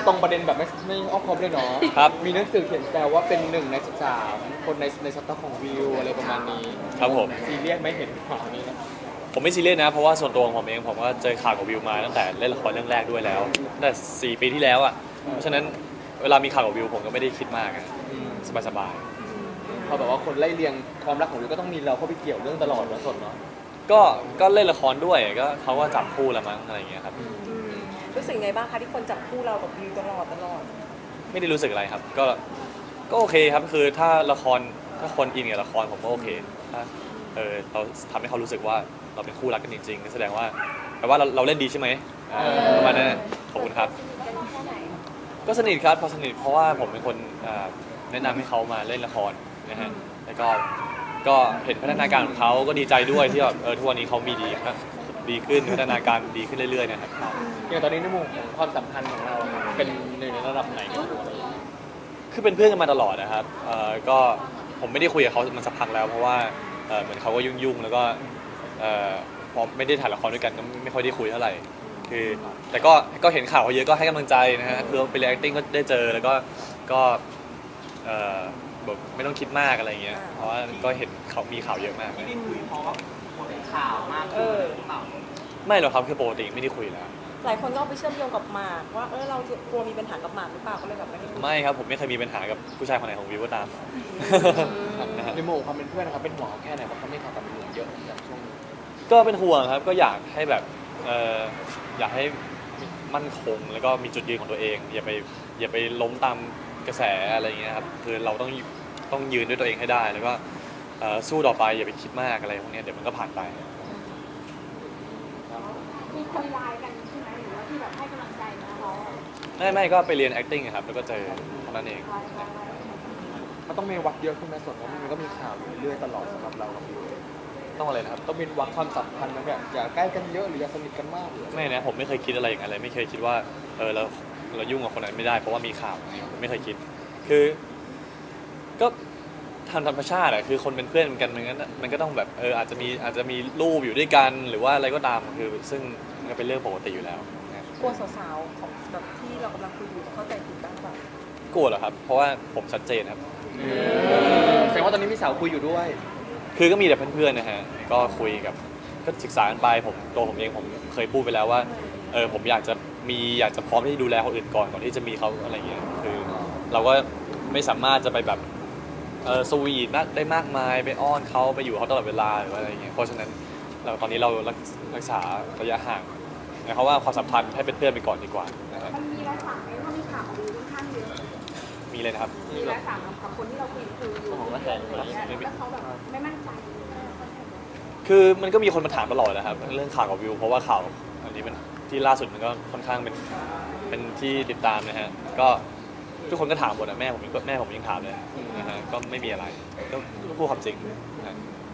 ตรงประเด็นแบบไม่อ้อมค้อมเลยเนาะครับมีหนังสือเขียนแซวว่าเป็น1 ใน 13คนในสต็อกของวิวอะไรประมาณนี้ครับผมซีเรียสไหม่เห็นข่าวนี้นะผมไม่ซีเรียสนะเพราะว่าส่วนตัวของผมเองผมก็เจอข่าวกับวิวมาตั้งแต่เล่นละครเรื่องแรกด้วยแล้วตั้งแต่4 ปีที่แล้วอ่ะเพราะฉะนั้นเวลามีข่าวกับวิวผมก็ไม่ได้คิดมากอะสบายพอแบบว่าคนไล่เรียงความรักของวิวก็ต้องมีเราเข้าไปเกี่ยวเรื่องตลอดนะสดเนาะๆก็เล่นละครด้วยก็เขาก็จับคู่ละมั้งอะไรอย่างเงี้ยครับรู้สึกไงบ้างคะที่คนจับคู่เรากับวิวตลอดไม่ได้รู้สึกอะไรครับก็โอเคครับคือถ้าละครถ้าคนอินกับละครผมก็โอเคถ้าเราทำให้เขารู้สึกว่าเราเป็นคู่รักกันจริงๆแสดงว่าแปลว่าเราเล่นดีใช่ไหมประมาณนั้นขอบคุณครับก็สนิทครับพอสนิทเพราะว่าผมเป็นคนแนะนำให้เขามาเล่นละครนะฮะแล้วก็เห็นพัฒนาการของเขาก็ดีใจด้วยที่แบบทุกวันนี้เขามีดีขึ้นพัฒนาการดีขึ้นเรื่อยๆนะครับอย่างตอนนี้ในมุมของความสัมพันธ์ของเราเป็นในระดับไหนกันอยู่อะไรอย่างเงี้ยคือเป็นเพื่อนกันมาตลอดนะครับก็ผมไม่ได้คุยกับเขามันสักพักแล้วเพราะว่าเหมือนเขาก็ยุ่งๆแล้วก็พอไม่ได้ถ่ายละครด้วยกันก็ไม่ค่อยได้คุยเท่าไหร่คือแต่ก็เห็นข่าวเขาเยอะก็ให้กำลังใจนะฮะคือไปเรียน acting ก็ได้เจอแล้วก็แบบไม่ต้องคิดมากอะไรเงี้ยเพราะว่าก็เห็นเขามีข่าวเยอะมากที่ได้คุยเพราะว่าข่าวมากขึ้นหรือเปล่าไม่หรอกครับคือปกติไม่ได้คุยแล้วหลายคนก็เอาไปเชื่อมโยงกับหมากว่าเรากลัวมีปัญหากับหมากหรือเปล่าก็เลยแบบไม่ได้คุยไม่ครับผมไม่เคยมีปัญหากับผู้ชายคนไหนของวิวก็ตามนะฮะในมุมของความเป็นเพื่อนนะครับเป็นห่วงเขาแค่ไหนเพราะเขาไม่ข่าวกับวิวเยอะอย่างช่วงนี้ก็เป็นห่วงครับก็อยากให้แบบอยากให้มั่นคงแล้วก็มีจุดยืนของตัวเองอย่าไปล้มตามกระแสอะไรอย่างเงี้ยครับคือเราต้องยืนด้วยตัวเองให้ได้แล้วก็สู้ต่อไปอย่าไปคิดมากอะไรพวกเนี้ยเดี๋ยวมันก็ผ่านไปมีคนไลน์กันใช่ไหมหรือว่าที่แบบให้กำลังใจนะเขาไม่ก็ไปเรียน acting อะครับแล้วก็เจอเท่านั้นเองมันต้องมีวัดเยอะขึ้นไหมส่วนว่ามันก็มีข่าวอยู่เรื่อยๆตลอดสำหรับเรากับวิวต้องอะไรนะครับต้องมีวัดความสัมพันธ์นะแบบอย่าใกล้กันเยอะหรืออย่าสนิทกันมากหรืออะไรไม่นะผมไม่เคยคิดอะไรอย่างนั้นเลยไม่เคยคิดว่าเรายุ่งกับคนนั้นไม่ได้เพราะว่ามีข่าวอย่างนี้ผมไม่เคยคิดคือก็ทางธรรมชาติอะคือคนเป็นเพื่อนกันมันก็ต้องแบบอาจจะมีรูปอยู่ด้วยกันหรือว่าอะไรก็ตามคือซึ่งมันก็เป็นเรื่องปกติอยู่แล้วนะกลัวสาวๆของแบบที่เรากำลังคุยอยู่เข้าใจผิดบ้างเปล่ากลัวเหรอครับเพราะว่าผมชัดเจนครับแสดงว่าตอนนี้มีสาวคุยอยู่ด้วยคือก็มีแต่เพื่อนๆนะฮะก็คุยกับก็ศึกษากันไปตัวผมเองผมเคยพูดไปแล้วว่าผมอยากจะพร้อมที่จะดูแลคนอื่นก่อนที่จะมีเขาอะไรเงี้ยคือเราก็ไม่สามารถจะไปแบบสวีทได้มากมายไปอ้อนเขาไปอยู่เขาตลอดเวลาหรือว่าอะไรเงี้ยเพราะฉะนั้นตอนนี้เรารักษาระยะห่างเพราะว่าความสัมพันธ์ให้เป็นเพื่อนไปก่อนดีกว่านะครับมันมีรายสั่งไหมว่ามีข่าวของวิวค่อนข้างเยอะมีเลยนะครับมีรายสั่งกับคนที่เราคุยอยู่แล้วเขาแบบไม่มั่นใจคือมันก็มีคนมาถามตลอดนะครับเรื่องข่าวกับวิวเพราะว่าข่าวอันนี้มันที่ล่าสุดมันก็ค่อนข้างเป็นที่ติดตามนะฮะก็ทุกคนก็ถามหมดนะแม่ผมยังถามเลยนะฮะก็ไม่มีอะไรก็พูดความจริงนะ